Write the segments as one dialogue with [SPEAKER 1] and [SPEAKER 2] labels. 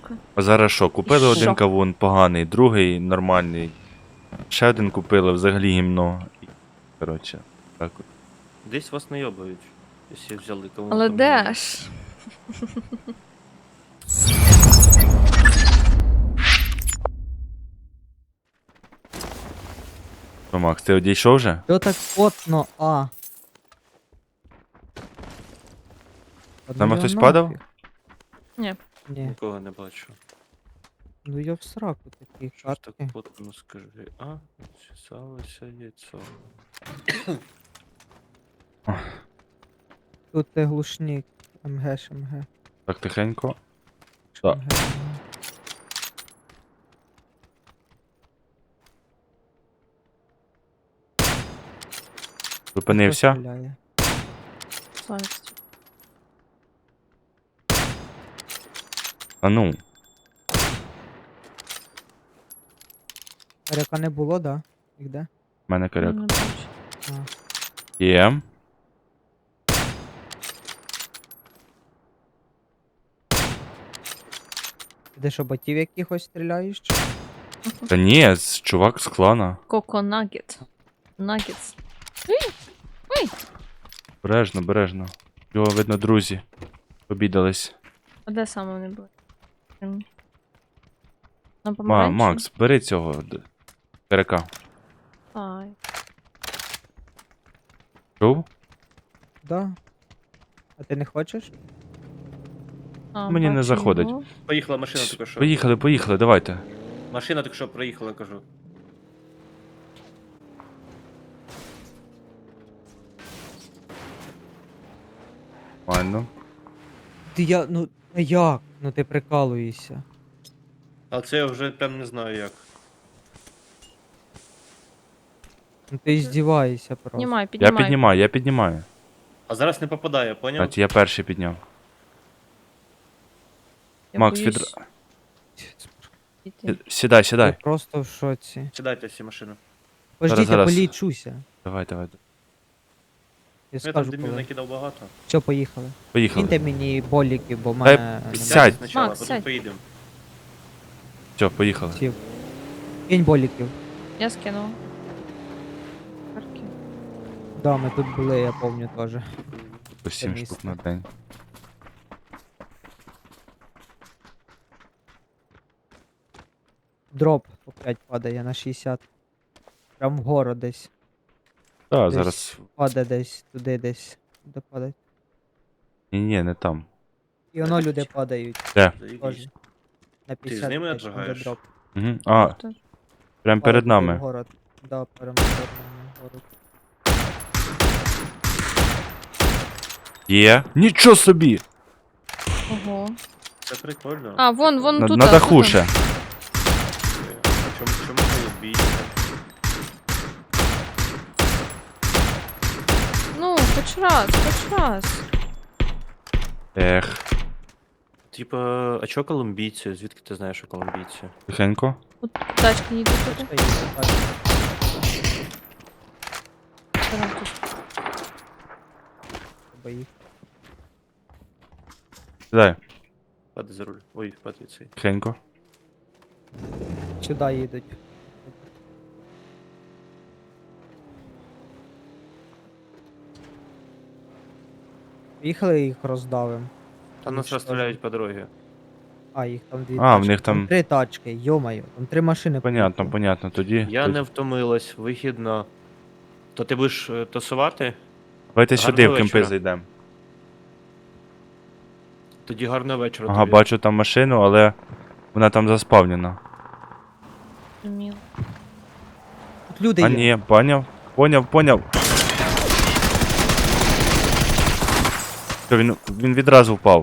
[SPEAKER 1] дякую.
[SPEAKER 2] А зараз що, купили
[SPEAKER 1] Що?
[SPEAKER 2] один кавун поганий, другий нормальний. Ще один купили, взагалі гімно. І, коротше, так от.
[SPEAKER 3] Десь вас найобають, якщо взяли кого.
[SPEAKER 1] Але де ж?
[SPEAKER 2] Що, Макс, ти одійшов вже?
[SPEAKER 4] Що так потно,
[SPEAKER 2] З нами хтось падав?
[SPEAKER 1] Ні.
[SPEAKER 4] Ні,
[SPEAKER 3] Нікого не бачу.
[SPEAKER 4] ну я в сраку такі
[SPEAKER 3] Що ж так
[SPEAKER 4] картки.
[SPEAKER 3] потно скажи? Чесалося яйцо.
[SPEAKER 4] Тут ти глушник. МГ, МГ.
[SPEAKER 2] Так тихенько. Так.
[SPEAKER 4] МГ.
[SPEAKER 2] Зупинився.
[SPEAKER 4] Стріляє.
[SPEAKER 1] Славість.
[SPEAKER 2] А ну.
[SPEAKER 4] Коряка не було, да? Їх де?
[SPEAKER 2] В мене коряк.
[SPEAKER 1] Не бачу.
[SPEAKER 4] А.
[SPEAKER 2] Є.
[SPEAKER 4] Ти де що, ботів якихось стріляєш? Чи?
[SPEAKER 2] Та ні, чувак з клана.
[SPEAKER 1] Коко Нагет. Нагетс.
[SPEAKER 2] Бережно, бережно. Його, видно, друзі. Обідались.
[SPEAKER 1] А де саме вони були? На помаранчі?
[SPEAKER 2] Макс, бери цього коряка.
[SPEAKER 1] Ай.
[SPEAKER 2] Чув?
[SPEAKER 4] Да. А ти не хочеш?
[SPEAKER 1] А,
[SPEAKER 2] Мені не
[SPEAKER 1] бачу
[SPEAKER 2] заходить.
[SPEAKER 1] його.
[SPEAKER 3] Поїхала машина тільки що.
[SPEAKER 2] Поїхали, поїхали, давайте.
[SPEAKER 3] Машина тільки що проїхала, кажу.
[SPEAKER 2] Нормально.
[SPEAKER 4] Ти ну а як? Ну ти прикалуєшся.
[SPEAKER 3] А це я вже прям не знаю як.
[SPEAKER 4] Ну ти здіваєшся просто.
[SPEAKER 1] Піднімай,
[SPEAKER 2] Я
[SPEAKER 1] піднімай.
[SPEAKER 2] піднімаю, я піднімаю.
[SPEAKER 3] А зараз не попадає, поняв?
[SPEAKER 2] Кстати, я перший підняв.
[SPEAKER 1] Я
[SPEAKER 2] Макс,
[SPEAKER 1] боюсь піти.
[SPEAKER 2] Сідай,
[SPEAKER 4] Я
[SPEAKER 2] сідай.
[SPEAKER 4] просто в шоці.
[SPEAKER 3] Сідайте всі машини.
[SPEAKER 4] Пождіть, я
[SPEAKER 2] зараз.
[SPEAKER 4] полічуся.
[SPEAKER 2] Давай, давай.
[SPEAKER 4] Я
[SPEAKER 3] Я там
[SPEAKER 4] скажу
[SPEAKER 3] димів
[SPEAKER 4] коли.
[SPEAKER 3] накидав багато.
[SPEAKER 4] Все, поїхали.
[SPEAKER 2] Поїхали.
[SPEAKER 4] Киньте мені боліки, бо в
[SPEAKER 2] Дай
[SPEAKER 4] мене
[SPEAKER 2] сядь.
[SPEAKER 3] Спочатку,
[SPEAKER 1] Макс,
[SPEAKER 3] потім
[SPEAKER 1] сядь.
[SPEAKER 3] поїдемо.
[SPEAKER 2] Все, поїхали.
[SPEAKER 4] сів. Кинь боліків.
[SPEAKER 1] Я скинула. Карки.
[SPEAKER 4] Да, ми тут були, я пам'ятаю теж.
[SPEAKER 2] По 7
[SPEAKER 4] місце.
[SPEAKER 2] штук на день.
[SPEAKER 4] Дроп опять падає на 60. Прям вгору десь.
[SPEAKER 2] Так,
[SPEAKER 4] Десь.
[SPEAKER 2] зараз.
[SPEAKER 4] Падає десь, туди десь. Де падає?
[SPEAKER 2] Ні, не там.
[SPEAKER 4] І воно люди падають.
[SPEAKER 2] Де?
[SPEAKER 3] Заїбісь.
[SPEAKER 4] Теж. На 50
[SPEAKER 3] з ними
[SPEAKER 4] десь там, де
[SPEAKER 3] наджигаєш?
[SPEAKER 4] дроп.
[SPEAKER 2] Угу. А,
[SPEAKER 1] Хто?
[SPEAKER 2] прям перед
[SPEAKER 4] Падає
[SPEAKER 2] нами.
[SPEAKER 4] вгору. Да, прям перед нами вгору.
[SPEAKER 2] Є. Нічого собі!
[SPEAKER 1] Ого.
[SPEAKER 3] Це прикольно.
[SPEAKER 1] А, вон тут.
[SPEAKER 2] На даху ще.
[SPEAKER 3] Чому ви бійте?
[SPEAKER 1] Ну, хоч раз.
[SPEAKER 2] Ех,
[SPEAKER 3] Типа, а чого колумбійці? Звідки ти знаєш, що колумбійці?
[SPEAKER 2] тихенько.
[SPEAKER 1] От тачка їде туди.
[SPEAKER 4] Та є, бачу.
[SPEAKER 1] Що там тут?
[SPEAKER 4] Треба їх.
[SPEAKER 2] Сідай,
[SPEAKER 3] Падай за руль. Ой, падай цей.
[SPEAKER 2] тихенько.
[SPEAKER 4] Сюди їдуть. Їхали їх роздавим.
[SPEAKER 3] Та нас розстріляють по дорозі.
[SPEAKER 4] А, їх там дві
[SPEAKER 2] А, в
[SPEAKER 4] тачки.
[SPEAKER 2] них там-
[SPEAKER 4] 3 тачки, йомаю. Там 3 машини.
[SPEAKER 2] Понятно,
[SPEAKER 4] поїхало.
[SPEAKER 2] понятно. Тоді.
[SPEAKER 3] Я
[SPEAKER 2] тоді-
[SPEAKER 3] не втомилась, вихідно. То ти будеш тасувати?
[SPEAKER 2] Давайте сюди в
[SPEAKER 3] Гарного
[SPEAKER 2] кемпи
[SPEAKER 3] вечора.
[SPEAKER 2] зайдемо.
[SPEAKER 3] Тоді гарного вечора.
[SPEAKER 2] Ага,
[SPEAKER 3] тобі.
[SPEAKER 2] бачу там машину, але вона там заспавнена.
[SPEAKER 1] Зрозуміло.
[SPEAKER 4] Тут люди
[SPEAKER 2] А
[SPEAKER 4] є.
[SPEAKER 2] ні, поняв. Що, він відразу впав.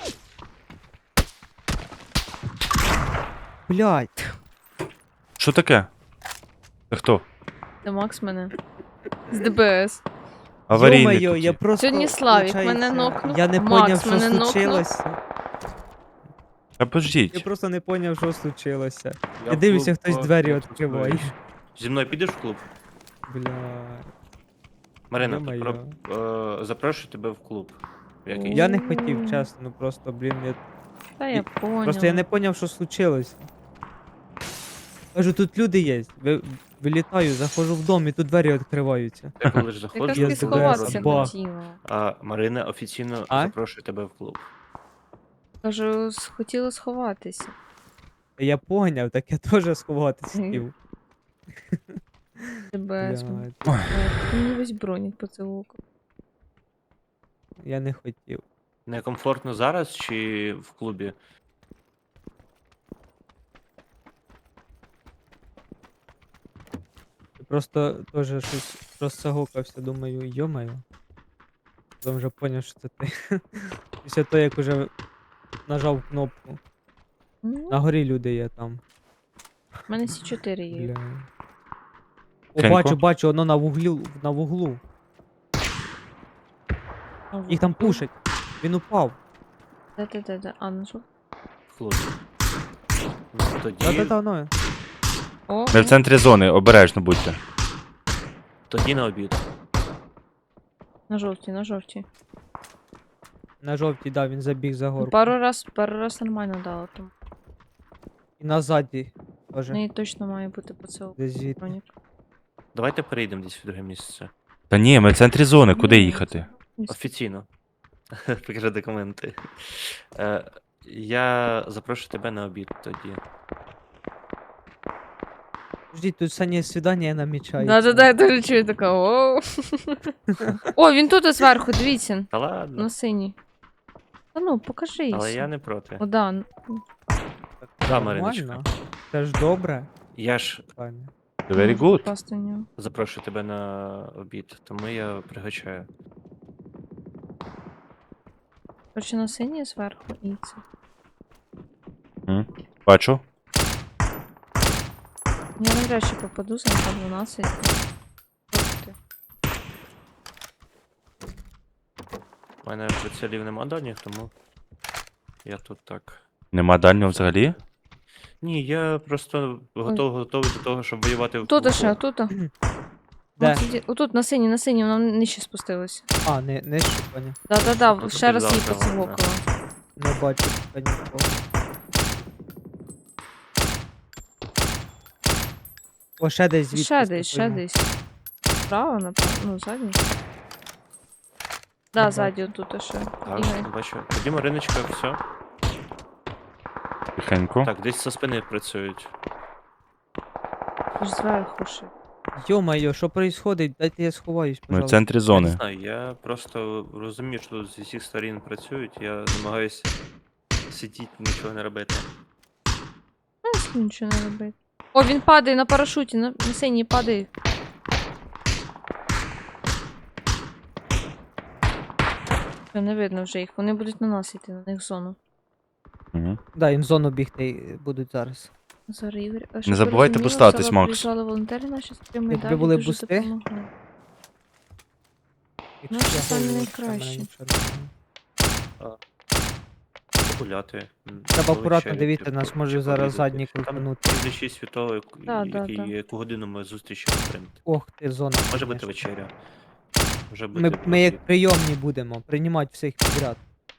[SPEAKER 4] Блядь.
[SPEAKER 2] Що таке? Це хто?
[SPEAKER 1] Це Макс мене. З ДБС.
[SPEAKER 2] Аварійник.
[SPEAKER 4] Йо-моє,
[SPEAKER 2] тут
[SPEAKER 4] я
[SPEAKER 2] є.
[SPEAKER 4] просто,
[SPEAKER 1] Сьогодні Славік
[SPEAKER 4] виходить,
[SPEAKER 1] мене нокнув,
[SPEAKER 4] Я не
[SPEAKER 1] Макс
[SPEAKER 4] поняв, що
[SPEAKER 1] мене нокнув.
[SPEAKER 4] случилося.
[SPEAKER 2] Та
[SPEAKER 4] Я
[SPEAKER 2] пождіть.
[SPEAKER 4] просто не поняв, що случилося.
[SPEAKER 3] Я
[SPEAKER 4] Я дивлюся,
[SPEAKER 3] в
[SPEAKER 4] хтось
[SPEAKER 3] клуб
[SPEAKER 4] двері
[SPEAKER 3] просто
[SPEAKER 4] відкриває.
[SPEAKER 3] знаю. Зі мною підеш в клуб?
[SPEAKER 4] Бля.
[SPEAKER 3] Марина,
[SPEAKER 4] Ё-моё.
[SPEAKER 3] запрошую тебе в клуб. Який?
[SPEAKER 4] Я не хотів, чесно, ну просто, блін, я
[SPEAKER 1] Та я поняла.
[SPEAKER 4] Просто я не поняв, що случилось. Кажу, тут люди є. Вилітаю, заходжу в дом і тут двері відкриваються.
[SPEAKER 3] Ти коли ж
[SPEAKER 1] Якраз
[SPEAKER 3] заходиш,
[SPEAKER 4] Я
[SPEAKER 1] таки
[SPEAKER 3] то
[SPEAKER 1] сховатися
[SPEAKER 4] бах.
[SPEAKER 1] хотіла.
[SPEAKER 3] А Марина офіційно
[SPEAKER 4] А?
[SPEAKER 3] запрошує тебе в клуб.
[SPEAKER 1] Кажу, хотіла сховатися.
[SPEAKER 4] Я поняв, так я теж сховатися
[SPEAKER 1] Мгм.
[SPEAKER 4] хотів.
[SPEAKER 1] Тебе
[SPEAKER 4] Блядь,
[SPEAKER 1] мені весь бронік поцілунку.
[SPEAKER 4] я не хотів.
[SPEAKER 3] Некомфортно зараз чи в клубі?
[SPEAKER 4] Просто теж щось розсагокався, думаю, йомаю. Потім вже поняв, що це ти. Після того, як уже нажав кнопку.
[SPEAKER 1] Ну,
[SPEAKER 4] На горі люди є там.
[SPEAKER 1] в мене всі 4 є.
[SPEAKER 4] Бля. О,
[SPEAKER 2] Тихенько.
[SPEAKER 4] бачу, воно на вуглу. Їх там пушать. Він упав.
[SPEAKER 1] Де. А, ну що?
[SPEAKER 3] В клубі. Ну, Тоді,
[SPEAKER 4] Та-та-та, воно.
[SPEAKER 1] О,
[SPEAKER 2] Ми в центрі зони, обережно будьте.
[SPEAKER 3] тоді на обід.
[SPEAKER 1] на жовтій.
[SPEAKER 4] На жовтій, да, він забіг за горку.
[SPEAKER 1] Пару раз нормально дала, тому
[SPEAKER 4] І назаді
[SPEAKER 1] в
[SPEAKER 4] теж.
[SPEAKER 1] неї точно має бути поцілунок.
[SPEAKER 4] Десь звідти.
[SPEAKER 1] Бронік.
[SPEAKER 3] Давайте перейдемо десь в друге місце.
[SPEAKER 2] Та ні, ми в центрі зони, куди
[SPEAKER 1] Ні,
[SPEAKER 2] їхати?
[SPEAKER 3] Офіційно. Покажи документи. Я запрошую тебе на обід тоді.
[SPEAKER 4] Ждіть, тут сані свідання намічається.
[SPEAKER 1] Да, я теж чую така. Оу. О, він тут зверху, дивіться.
[SPEAKER 3] Та ладно,
[SPEAKER 1] На синій. Та ну, покажи.
[SPEAKER 3] але я не проти.
[SPEAKER 1] О, да.
[SPEAKER 3] Да,
[SPEAKER 4] Нормально.
[SPEAKER 3] Мариночка.
[SPEAKER 4] Це ж добре.
[SPEAKER 3] Я ж
[SPEAKER 4] Пані.
[SPEAKER 2] Very
[SPEAKER 1] Можу
[SPEAKER 2] good.
[SPEAKER 1] попасти в нього.
[SPEAKER 3] запрошую тебе на обід, тому я пригощаю.
[SPEAKER 1] Короче, на синій зверху і це.
[SPEAKER 2] М, Бачу.
[SPEAKER 1] Я навряд чи попаду за 12. Тобто,
[SPEAKER 3] У мене прицілів нема дальніх, тому я тут так.
[SPEAKER 2] Нема дальнього взагалі?
[SPEAKER 3] Ні, я просто готовий до того, щоб воювати в
[SPEAKER 1] Тут
[SPEAKER 3] клубу.
[SPEAKER 1] ще, тут.
[SPEAKER 4] Де?
[SPEAKER 1] Отут, на синій, вона нижче спустилася.
[SPEAKER 4] А, не щупання.
[SPEAKER 1] Да,
[SPEAKER 3] Тут
[SPEAKER 1] ще раз її
[SPEAKER 3] підзавтра вона.
[SPEAKER 1] поцілокала.
[SPEAKER 4] Не бачу та нікого. О, ще десь звідти.
[SPEAKER 1] Ще десь. Справа, напевно, ну, задній. Да,
[SPEAKER 4] бачу.
[SPEAKER 1] ззаді отут ще.
[SPEAKER 3] Так,
[SPEAKER 1] Ігор.
[SPEAKER 3] бачу. Тоді Мариночка, все.
[SPEAKER 2] Тихенько.
[SPEAKER 3] Так, десь со спини працюють.
[SPEAKER 1] Аж зверху ще.
[SPEAKER 4] Йо-моє, що происходить? Дайте я сховаюсь,
[SPEAKER 2] Ми в
[SPEAKER 4] пожалуйста.
[SPEAKER 2] центрі
[SPEAKER 3] Я не
[SPEAKER 2] зони.
[SPEAKER 3] знаю, я просто розумію, що тут з усіх сторін працюють, я намагаюся сидіти, нічого не робити.
[SPEAKER 1] Ну, якщо нічого не робити. О, він падає на парашуті, на синій падає. Все, не видно вже їх. Вони будуть на нас йти, на них в зону.
[SPEAKER 2] Мгм.
[SPEAKER 4] Да, їм в зону бігти будуть зараз.
[SPEAKER 1] Зараз Ігор.
[SPEAKER 2] Не забувайте поставитись, Макс.
[SPEAKER 1] Приїжджали волонтери наші з прямої
[SPEAKER 4] Якби
[SPEAKER 1] далі,
[SPEAKER 4] були
[SPEAKER 1] дуже
[SPEAKER 4] бусти?
[SPEAKER 1] допомогли.
[SPEAKER 4] Якщо
[SPEAKER 1] Наші
[SPEAKER 4] я
[SPEAKER 1] самі
[SPEAKER 4] голову,
[SPEAKER 1] найкращі.
[SPEAKER 4] то в мене нічого
[SPEAKER 3] Погуляти.
[SPEAKER 4] Треба акуратно
[SPEAKER 3] повечеряти,
[SPEAKER 4] дивіться, нас може зараз
[SPEAKER 3] пообідати.
[SPEAKER 4] задній
[SPEAKER 3] Там
[SPEAKER 4] крутанути.
[SPEAKER 3] слідчий світовий,
[SPEAKER 1] Да,
[SPEAKER 3] яку годину ми зустрічі отримати.
[SPEAKER 4] Ох ти, зона.
[SPEAKER 3] Може бути
[SPEAKER 4] конечно.
[SPEAKER 3] вечеря. Може бути.
[SPEAKER 4] Ми як
[SPEAKER 3] обід.
[SPEAKER 4] прийомні будемо, приймати всіх підряд.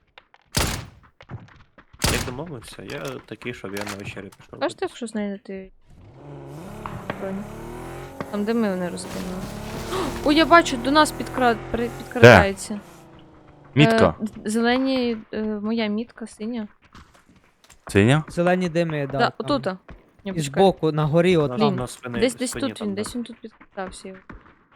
[SPEAKER 3] Як домовився, я такий, щоб я на вечерю пішов.
[SPEAKER 1] Кажете, якщо знайдете броню? Там де ми вони розкинули. О, я бачу, до нас підкрадається.
[SPEAKER 2] Мітка.
[SPEAKER 1] Зелені, моя мітка, синя.
[SPEAKER 2] Синя?
[SPEAKER 4] Зелені дими, да.
[SPEAKER 1] Да,
[SPEAKER 4] там.
[SPEAKER 1] отута. Ні,
[SPEAKER 4] І
[SPEAKER 1] почекай.
[SPEAKER 4] збоку, на горі, от
[SPEAKER 3] На-
[SPEAKER 4] там.
[SPEAKER 3] на спини-
[SPEAKER 1] Десь
[SPEAKER 3] спині
[SPEAKER 1] тут
[SPEAKER 3] там,
[SPEAKER 1] він,
[SPEAKER 3] да.
[SPEAKER 1] десь він тут підкрадався. його.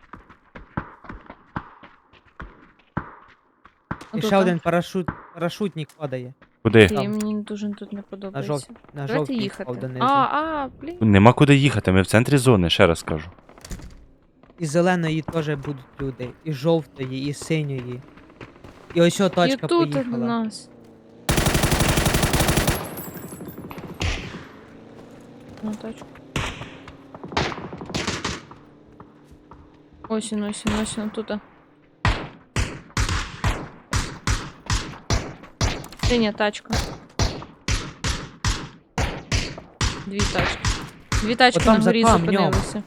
[SPEAKER 4] І
[SPEAKER 1] Отута.
[SPEAKER 4] ще один парашутник падає.
[SPEAKER 2] Куди?
[SPEAKER 1] І
[SPEAKER 4] там.
[SPEAKER 1] мені дуже тут не подобається.
[SPEAKER 4] На
[SPEAKER 1] Давайте
[SPEAKER 4] жовтій
[SPEAKER 1] їхати.
[SPEAKER 4] впав донизу.
[SPEAKER 1] Блін.
[SPEAKER 2] Нема куди їхати, ми в центрі зони, ще раз кажу.
[SPEAKER 4] І зеленої теж будуть люди, і жовтої, і синьої. І ось о
[SPEAKER 1] І
[SPEAKER 4] тачка
[SPEAKER 1] тут до
[SPEAKER 4] поїхала.
[SPEAKER 1] нас. На тачку. Ось він, тут. Синя тачка. Дві тачки. Дві тачки
[SPEAKER 4] Отам
[SPEAKER 1] на горі
[SPEAKER 4] за камнем.
[SPEAKER 1] зупинилися.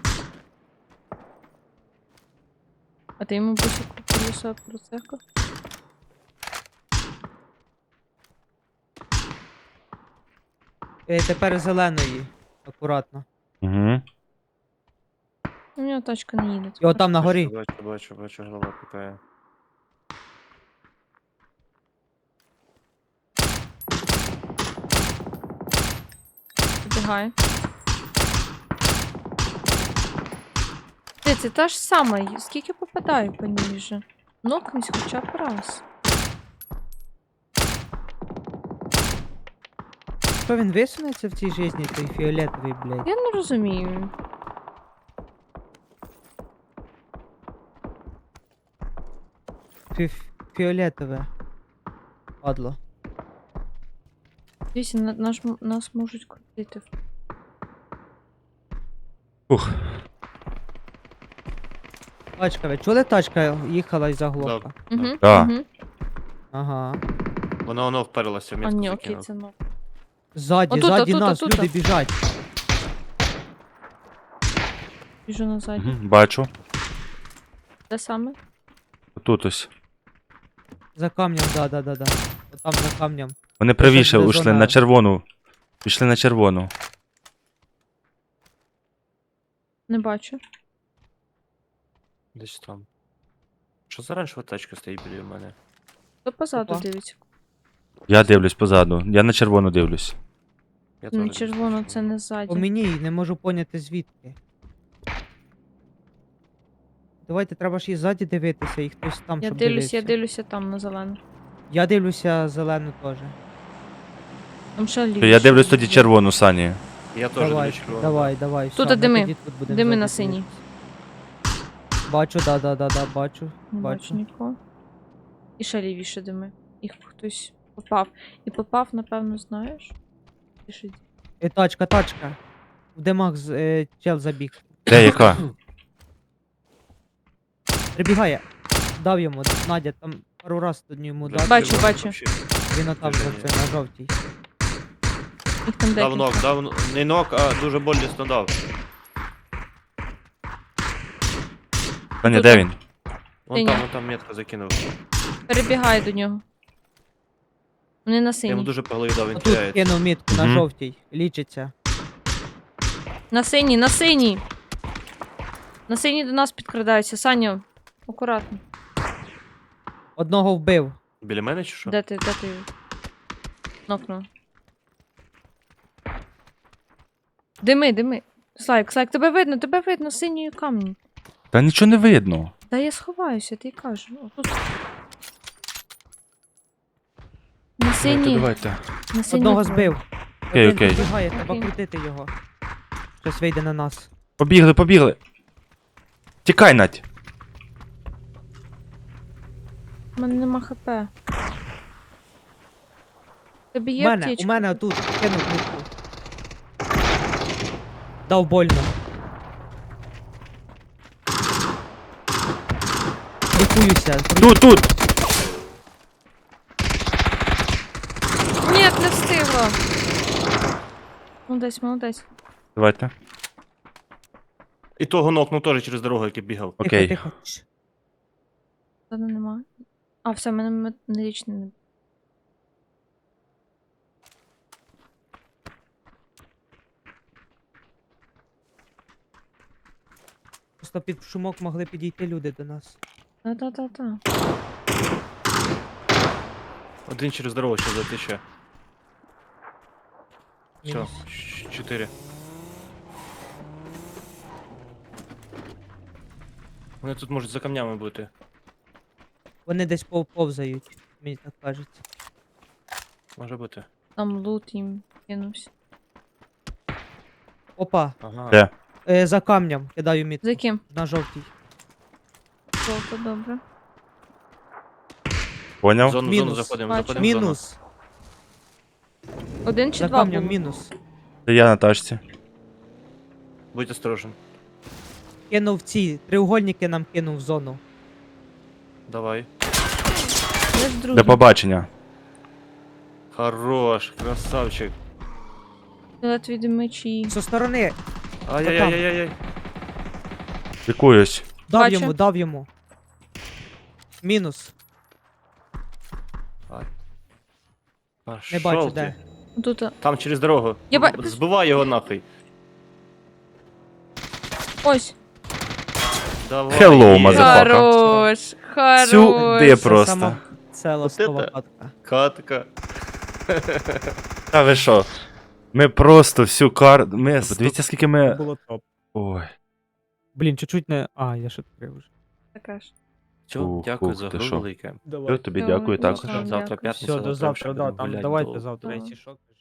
[SPEAKER 1] А ти йому бусик колеса процехав?
[SPEAKER 4] Тепер зеленої. Акуратно.
[SPEAKER 2] Угу.
[SPEAKER 1] У нього тачка не їде.
[SPEAKER 4] І отам на горі.
[SPEAKER 3] Бачу, голова пікає.
[SPEAKER 1] Підбігає. Це та ж сама. Скільки попадаю по ній вже? Нокнись хоча б раз.
[SPEAKER 4] Що він висунеться в цій житті, той фіолетовий, блядь?
[SPEAKER 1] Я не розумію.
[SPEAKER 4] Фіолетове. Падло.
[SPEAKER 1] Дивіться, нас можуть крутити.
[SPEAKER 2] Ух.
[SPEAKER 4] Тачка, ви чули тачка їхала і заглохла?
[SPEAKER 1] Угу,
[SPEAKER 2] Да.
[SPEAKER 1] угу.
[SPEAKER 4] Ага.
[SPEAKER 3] Воно вперлося в
[SPEAKER 1] А
[SPEAKER 3] мітку
[SPEAKER 1] ні, окей,
[SPEAKER 3] закинув.
[SPEAKER 1] це нок.
[SPEAKER 4] Ззаді,
[SPEAKER 1] Отут,
[SPEAKER 4] ззаді
[SPEAKER 1] отут,
[SPEAKER 4] нас,
[SPEAKER 1] отут.
[SPEAKER 4] люди біжать.
[SPEAKER 1] Біжу назад.
[SPEAKER 2] Угу. Бачу.
[SPEAKER 1] Де саме?
[SPEAKER 2] Тут ось.
[SPEAKER 4] За камнем, да. Отам за камнем.
[SPEAKER 2] Вони правіше
[SPEAKER 4] буде
[SPEAKER 2] ушли
[SPEAKER 4] зона.
[SPEAKER 2] на червону. Пішли на червону.
[SPEAKER 1] Не бачу.
[SPEAKER 3] Десь там. Що за раншова тачка стоїть біля мене?
[SPEAKER 1] То позаду
[SPEAKER 4] Опа.
[SPEAKER 1] дивиться.
[SPEAKER 2] Я дивлюсь позаду. Я на червону дивлюсь.
[SPEAKER 3] Я
[SPEAKER 1] Ну,
[SPEAKER 3] теж
[SPEAKER 1] червоно
[SPEAKER 3] десь
[SPEAKER 1] це не ззаді.
[SPEAKER 4] По мені не можу поняти звідки. Давайте, треба ж і ззаді дивитися, і хтось там,
[SPEAKER 1] Я
[SPEAKER 4] щоб
[SPEAKER 1] дивлюсь, я
[SPEAKER 4] дивився.
[SPEAKER 1] дивлюся там на зелену.
[SPEAKER 4] Я дивлюся зелену теж.
[SPEAKER 1] Там ще
[SPEAKER 2] То
[SPEAKER 1] лівіше.
[SPEAKER 2] я дивлюсь тоді червону, Сані.
[SPEAKER 3] Я теж
[SPEAKER 4] Давай,
[SPEAKER 3] до червоного.
[SPEAKER 4] давай.
[SPEAKER 1] Тут
[SPEAKER 4] все, ми
[SPEAKER 1] дими.
[SPEAKER 4] тоді тут будемо
[SPEAKER 1] Дими
[SPEAKER 4] ззаді
[SPEAKER 1] на синій.
[SPEAKER 4] дивитися. Бачу, да, бачу.
[SPEAKER 1] Не бачу нікого. І ще лівіше дими. Їх хтось попав. І попав, напевно, знаєш? Пишіть.
[SPEAKER 4] Тачка. В димах чел забіг.
[SPEAKER 2] Де яка?
[SPEAKER 4] Прибігає. Дав йому, Надя, там пару раз тут йому
[SPEAKER 3] Вже
[SPEAKER 4] дав.
[SPEAKER 1] Бачу,
[SPEAKER 3] червоний
[SPEAKER 1] бачу.
[SPEAKER 3] вообще.
[SPEAKER 4] Він отам за
[SPEAKER 3] Движення.
[SPEAKER 4] це, на жовтій.
[SPEAKER 1] Їх там
[SPEAKER 3] Дав
[SPEAKER 1] декілька.
[SPEAKER 3] нок, не нок, а дуже болісно дав.
[SPEAKER 2] Саня,
[SPEAKER 1] Тут
[SPEAKER 2] де
[SPEAKER 1] там.
[SPEAKER 2] він?
[SPEAKER 3] Вон
[SPEAKER 1] Синя.
[SPEAKER 3] там метку закинув.
[SPEAKER 1] Перебігає до нього. Вони на
[SPEAKER 3] Я йому
[SPEAKER 1] синій.
[SPEAKER 3] дуже по голові дав, він
[SPEAKER 4] Отут
[SPEAKER 3] теряється.
[SPEAKER 4] кинув мітку на
[SPEAKER 2] Мгм.
[SPEAKER 4] жовтій. Лічиться.
[SPEAKER 1] На синій, на синій! На синій до нас підкрадаються. Саня, акуратно.
[SPEAKER 4] Одного вбив.
[SPEAKER 3] Біля мене чи що?
[SPEAKER 1] Де ти? Нокнув. Дими. Слайк, тебе видно, синьою камні.
[SPEAKER 2] Та нічого не видно.
[SPEAKER 1] Та я сховаюся, ти й кажу. Отут. На синій.
[SPEAKER 2] Давайте.
[SPEAKER 1] На синій.
[SPEAKER 4] Одного
[SPEAKER 1] двоє.
[SPEAKER 4] збив.
[SPEAKER 2] Окей,
[SPEAKER 4] Один
[SPEAKER 2] окей.
[SPEAKER 4] підбігає, треба
[SPEAKER 1] Окей.
[SPEAKER 4] крутити його. Щось вийде на нас.
[SPEAKER 2] Побігли. Тікай, Надь.
[SPEAKER 1] У мене нема хп. Тобі
[SPEAKER 4] У
[SPEAKER 1] є
[SPEAKER 4] мене,
[SPEAKER 1] аптечка?
[SPEAKER 4] у мене тут кинув мітку. Дав больно. Лікуюся.
[SPEAKER 2] Тут.
[SPEAKER 1] Ні, не встигла. Молодець.
[SPEAKER 2] Давайте.
[SPEAKER 3] І того нокнув теж через дорогу, який бігав.
[SPEAKER 2] Окей.
[SPEAKER 4] Тихо. Чш.
[SPEAKER 1] Ладно, нема. А, все, в мене медичний не.
[SPEAKER 4] Просто під шумок могли підійти люди до нас.
[SPEAKER 1] Та.
[SPEAKER 3] Один через дорогу ще затече. Все,
[SPEAKER 4] Мінус.
[SPEAKER 3] 4. Вони тут можуть за камнями бути.
[SPEAKER 4] Вони десь повзають, мені так кажеться.
[SPEAKER 3] Може бути.
[SPEAKER 1] Там лут їм кинувся.
[SPEAKER 4] Опа,
[SPEAKER 3] Ага.
[SPEAKER 2] Де?
[SPEAKER 4] за камнем кидаю мітку.
[SPEAKER 1] За ким?
[SPEAKER 4] На жовтій.
[SPEAKER 1] Жовто, добре.
[SPEAKER 2] Поняв?
[SPEAKER 3] Зону
[SPEAKER 4] Мінус.
[SPEAKER 3] заходимо,
[SPEAKER 1] Бачу.
[SPEAKER 3] заходимо в зону.
[SPEAKER 4] Мінус.
[SPEAKER 1] Один чи
[SPEAKER 4] За
[SPEAKER 1] два
[SPEAKER 4] камнем
[SPEAKER 1] було?
[SPEAKER 4] мінус.
[SPEAKER 2] Це я на тачці.
[SPEAKER 3] Будь осторожен.
[SPEAKER 4] Кинув ці треугольники нам кинув в зону.
[SPEAKER 3] Давай.
[SPEAKER 1] Де ж другий?
[SPEAKER 2] До побачення.
[SPEAKER 3] Хорош, красавчик.
[SPEAKER 1] Фіолетові мечі.
[SPEAKER 4] Зі сторони.
[SPEAKER 3] Ай-яй-яй-яй-яй.
[SPEAKER 2] Лікуюсь.
[SPEAKER 1] Бачу.
[SPEAKER 4] Дав йому. Мінус.
[SPEAKER 3] А
[SPEAKER 4] Не бачу,
[SPEAKER 3] шо
[SPEAKER 4] де.
[SPEAKER 3] ти?
[SPEAKER 1] Тут.
[SPEAKER 3] Там через дорогу.
[SPEAKER 1] Я
[SPEAKER 3] Збивай його нахуй.
[SPEAKER 1] Ось.
[SPEAKER 3] Давай.
[SPEAKER 2] Hello,
[SPEAKER 3] є.
[SPEAKER 2] motherfucker.
[SPEAKER 1] Хорош.
[SPEAKER 2] Сюди
[SPEAKER 1] Хорош.
[SPEAKER 2] просто.
[SPEAKER 4] Сама ціла
[SPEAKER 3] От
[SPEAKER 4] слова
[SPEAKER 3] это-
[SPEAKER 4] катка.
[SPEAKER 3] Катка.
[SPEAKER 2] Та ви що? Ми просто всю карту. Подивіться, скільки ми.
[SPEAKER 4] Було топ.
[SPEAKER 2] Ой.
[SPEAKER 4] Блін, чуть-чуть не. А, я ще відкрив вже.
[SPEAKER 1] Така ж.
[SPEAKER 3] Все,
[SPEAKER 2] Ух,
[SPEAKER 3] дякую
[SPEAKER 2] ух,
[SPEAKER 3] за
[SPEAKER 2] ти
[SPEAKER 3] гру
[SPEAKER 2] що.
[SPEAKER 3] велике.
[SPEAKER 2] Все, тобі
[SPEAKER 1] Давай,
[SPEAKER 2] дякую
[SPEAKER 1] давай.
[SPEAKER 2] також.
[SPEAKER 1] Дякую.
[SPEAKER 3] Завтра п'ятниця.
[SPEAKER 4] Все, до
[SPEAKER 3] прям
[SPEAKER 4] завтра,
[SPEAKER 3] ще
[SPEAKER 4] да.
[SPEAKER 3] будемо
[SPEAKER 4] Там
[SPEAKER 3] гуляти
[SPEAKER 4] давайте
[SPEAKER 3] до-
[SPEAKER 4] завтра,
[SPEAKER 1] Давай.
[SPEAKER 4] якщо що.